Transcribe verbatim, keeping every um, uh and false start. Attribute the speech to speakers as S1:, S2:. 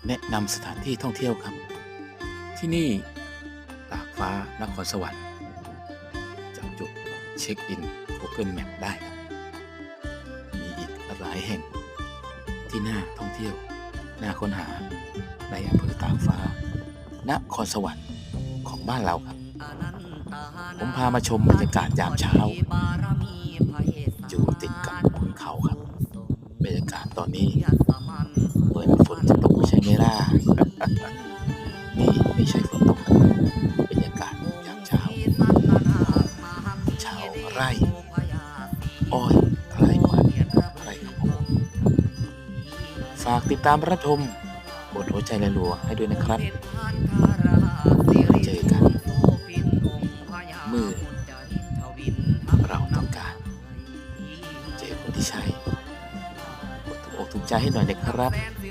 S1: แนะนำสถานที่ท่องเที่ยวครับ ที่นี่ตากฟ้านครสวรรค์จากจุดเช็คอิน Google Map ได้ครับ มีอีกหลายแห่งที่น่าท่องเที่ยว น่าค้นหาในอำเภอตากฟ้านครสวรรค์ของบ้านเราครับ ผมพามาชมบรรยากาศยามเช้า อยู่ติดกับขุนเขาครับ บรรยากาศตอนนี้เหมือนฝนจะตกไม่ใช่ไหมล่ะ นี่ไม่ใช่ฝนตกนะครับบรรยากาศยามเช้าชาวไร่อ้อยไร่มันไร่ข้าวโพดฝากติดตามรับชมบทหัวใจและรัวให้ด้วยนะครับเจอกันเมื่อเราต้องการเจอคนที่ใช่กดถูกอกถูกใจให้หน่อยนะครับ